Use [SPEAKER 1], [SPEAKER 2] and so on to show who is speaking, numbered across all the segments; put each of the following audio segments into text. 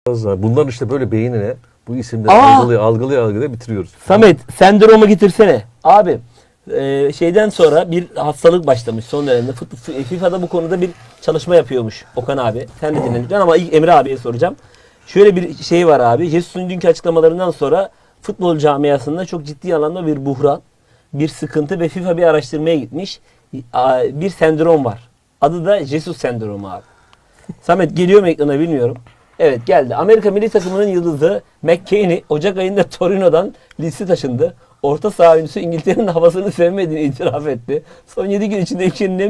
[SPEAKER 1] Bunların işte böyle beynine bu isimleri algılaya bitiriyoruz.
[SPEAKER 2] Samet sendromu getirsene. Abi şeyden sonra bir hastalık başlamış son dönemde. FIFA'da bu konuda bir çalışma yapıyormuş Okan abi. Sen de dinledin ama ilk Emre abiye soracağım. Şöyle bir şey var abi. Jesus'un dünkü açıklamalarından sonra futbol camiasında çok ciddi anlamda bir buhran, bir sıkıntı ve FIFA bir araştırmaya gitmiş. Bir sendrom var. Adı da Jesus sendromu abi. Samet geliyor mu ekrana bilmiyorum. Evet geldi. Amerika milli takımının yıldızı McKennie Ocak ayında Torino'dan Leeds'e taşındı. Orta saha oyuncusu İngiltere'nin havasını sevmediğini itiraf etti. Son 7 gün içinde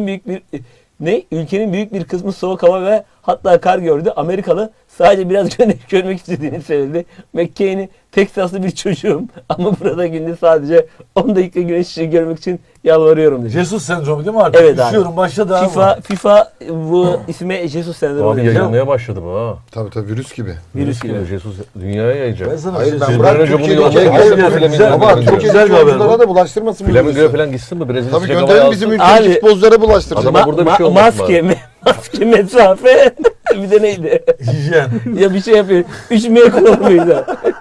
[SPEAKER 2] ülkenin büyük bir kısmı soğuk hava ve hatta kar gördü. Amerikalı sadece biraz güneş görmek istediğini söyledi. McKennie Teksaslı bir çocuğum ama burada günde sadece 10 dakika güneş ışığı görmek için yalvarıyorum dedi.
[SPEAKER 3] Jesus sendromu değil mi artık?
[SPEAKER 2] Evet abi.
[SPEAKER 3] Üşüyorum başladı abi.
[SPEAKER 2] FIFA bu isme Jesus sendromu
[SPEAKER 1] Abi
[SPEAKER 2] demiş.
[SPEAKER 1] yayılmaya başladı bu ha.
[SPEAKER 4] Tabii virüs gibi.
[SPEAKER 2] Virüs gibi.
[SPEAKER 1] Jesus dünyaya yayacak.
[SPEAKER 3] Ben sana
[SPEAKER 4] Hayır
[SPEAKER 3] bir
[SPEAKER 4] ben
[SPEAKER 3] şey
[SPEAKER 4] bırak
[SPEAKER 1] önce bunu
[SPEAKER 4] Türkiye'deki
[SPEAKER 1] yollayın,
[SPEAKER 4] hayır,
[SPEAKER 1] güzel,
[SPEAKER 4] güzel,
[SPEAKER 1] güzel,
[SPEAKER 4] ama
[SPEAKER 1] güzel.
[SPEAKER 4] Türkiye'deki
[SPEAKER 3] Güzel bir haber
[SPEAKER 4] oyunculara
[SPEAKER 3] bu.
[SPEAKER 4] da bulaştırmasın bu
[SPEAKER 1] Flamingo'ya
[SPEAKER 4] virüsü.
[SPEAKER 1] falan gitsin mi? Brezilya
[SPEAKER 4] Tabii
[SPEAKER 1] sıcak
[SPEAKER 4] gönderin
[SPEAKER 1] havaya
[SPEAKER 4] bizim
[SPEAKER 1] alsın.
[SPEAKER 4] ülkedeki
[SPEAKER 2] Abi,
[SPEAKER 4] futbolculara bulaştıracak.
[SPEAKER 1] Adama burada bir şey olmaz
[SPEAKER 2] maske, mesafe bir de neydi?
[SPEAKER 3] hijyen.
[SPEAKER 2] Ya bir şey yapıyor. Üşümeye kullanmıydı.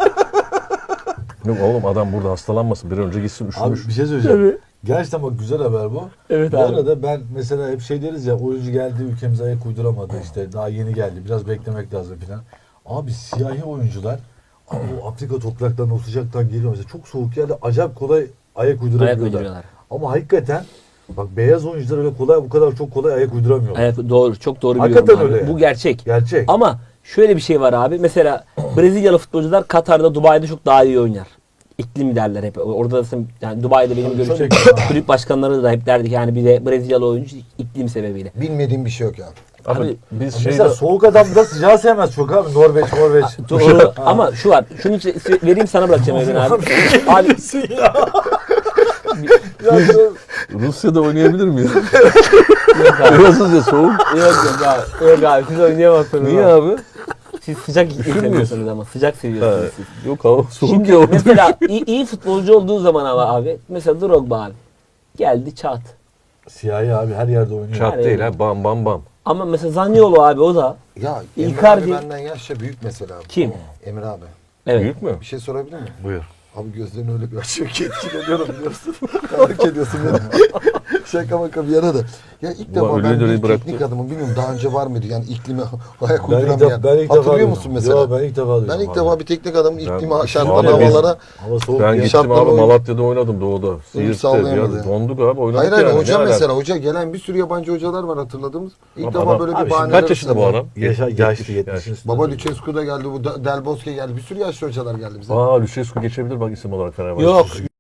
[SPEAKER 1] Yok oğlum adam burada hastalanmasın. Bir an önce gitsin
[SPEAKER 3] Abi
[SPEAKER 1] üşümüş.
[SPEAKER 3] bir şey söyleyeceğim. Gerçekten bak güzel haber bu.
[SPEAKER 2] Evet
[SPEAKER 3] Bu
[SPEAKER 2] abi.
[SPEAKER 3] arada ben mesela hep şey deriz ya oyuncu geldi ülkemize ayak uyduramadı işte daha yeni geldi biraz beklemek lazım filan. Abi siyahi oyuncular abi o Afrika topraklarından o sıcaktan geliyor mesela çok soğuk yerde acayip kolay ayak uydurabiliyorlar.
[SPEAKER 2] uyduruyorlar.
[SPEAKER 3] Ama hakikaten bak beyaz oyuncular öyle kolay bu kadar çok kolay ayak uyduramıyorlar.
[SPEAKER 2] Evet, doğru. Çok doğru
[SPEAKER 3] Hakikaten
[SPEAKER 2] biliyorum abi.
[SPEAKER 3] öyle yani.
[SPEAKER 2] Bu gerçek.
[SPEAKER 3] Gerçek.
[SPEAKER 2] Ama şöyle bir şey var abi. Mesela Brezilyalı futbolcular Katar'da, Dubai'de çok daha iyi oynar. İklim derler hep. Orada da yani Dubai'de benim görüşüm
[SPEAKER 3] Tabii.
[SPEAKER 2] kulüp başkanları da hep derdik yani bir de Brezilyalı oyuncu iklim sebebiyle.
[SPEAKER 4] Bilmediğim bir şey yok ya.
[SPEAKER 1] Abi biz
[SPEAKER 3] Mesela
[SPEAKER 1] şeyde
[SPEAKER 3] soğuk adam da sıcağı sevmez çok abi. Norveç.
[SPEAKER 2] Doğru. Ama şu var. Şunu vereyim sana bırakacağım Evren abi. Abi
[SPEAKER 1] Rusya'da oynayabilir miyiz?
[SPEAKER 2] yok abi.
[SPEAKER 1] Burası da soğuk.
[SPEAKER 2] Yok abi. Yok abi. Siz oynayamazsınız.
[SPEAKER 1] Niye abi?
[SPEAKER 2] Siz sıcak iklim
[SPEAKER 1] Üşür müyüz?
[SPEAKER 2] seviyorsunuz ama. Sıcak seviyorsunuz siz.
[SPEAKER 1] Yok hava soğuk
[SPEAKER 2] Şimdi
[SPEAKER 1] ya orada.
[SPEAKER 2] mesela iyi futbolcu olduğu zaman ama abi. Mesela Drogba abi. Geldi çat.
[SPEAKER 3] Siyahi abi her yerde oynuyor.
[SPEAKER 1] Çat değil ha bam bam bam.
[SPEAKER 2] Ama mesela Zaniolo abi o da.
[SPEAKER 4] Ya Emre
[SPEAKER 2] Icardi-
[SPEAKER 4] abi benden yaşça büyük mesela.
[SPEAKER 2] Kim?
[SPEAKER 4] Emre abi.
[SPEAKER 2] Evet.
[SPEAKER 1] Büyük mü?
[SPEAKER 4] Bir şey sorabilir miyim?
[SPEAKER 1] Buyur.
[SPEAKER 4] Abi gözlerini öyle bir açıyor ki etkileniyorum biliyorsun. Merak ediyorsun beni. Şaka maka bir yana da. Ya ilk
[SPEAKER 1] Ulan
[SPEAKER 4] defa ben
[SPEAKER 1] öyle
[SPEAKER 4] bir
[SPEAKER 1] döneyi bıraktı.
[SPEAKER 4] teknik adamım bilmiyorum daha önce var mıydı yani iklime ayak
[SPEAKER 3] Ben ilk
[SPEAKER 4] uyduramayan.
[SPEAKER 3] defa
[SPEAKER 4] Hatırlıyor
[SPEAKER 3] duydum.
[SPEAKER 4] musun mesela?
[SPEAKER 3] Yo, ben ilk defa duydum.
[SPEAKER 4] Ben ilk
[SPEAKER 3] abi.
[SPEAKER 4] defa bir teknik adamın iklime
[SPEAKER 1] Ben-
[SPEAKER 4] şartlı
[SPEAKER 1] Abi biz-
[SPEAKER 4] havalara.
[SPEAKER 3] Hava soğuk
[SPEAKER 1] Ben
[SPEAKER 3] ya.
[SPEAKER 1] gittim
[SPEAKER 4] şartları
[SPEAKER 1] abi
[SPEAKER 4] oyun-
[SPEAKER 1] Malatya'da oynadım doğuda. Siirt'te
[SPEAKER 4] sağlayamadı
[SPEAKER 1] ya.
[SPEAKER 4] ya.
[SPEAKER 1] Donduk abi oynadık
[SPEAKER 4] Hayır
[SPEAKER 1] yani.
[SPEAKER 4] hoca
[SPEAKER 1] Ne
[SPEAKER 4] mesela
[SPEAKER 1] alaka?
[SPEAKER 4] hoca gelen bir sürü yabancı hocalar var hatırladığımız. İlk
[SPEAKER 1] Abi
[SPEAKER 4] defa
[SPEAKER 1] adam-
[SPEAKER 4] böyle
[SPEAKER 3] Abi
[SPEAKER 4] bir
[SPEAKER 3] şimdi
[SPEAKER 4] bahaneler.
[SPEAKER 1] Kaç yaşında bu
[SPEAKER 4] üstüne.
[SPEAKER 1] adam?
[SPEAKER 3] Yaşlı
[SPEAKER 1] 70.
[SPEAKER 3] 70.
[SPEAKER 4] Baba Lucescu da geldi, bu Del Bosque geldi. Bir sürü yaşlı hocalar geldi bize.
[SPEAKER 1] Aa Lucescu geçebilir bak isim olarak Fenerbahçe.
[SPEAKER 2] Yok.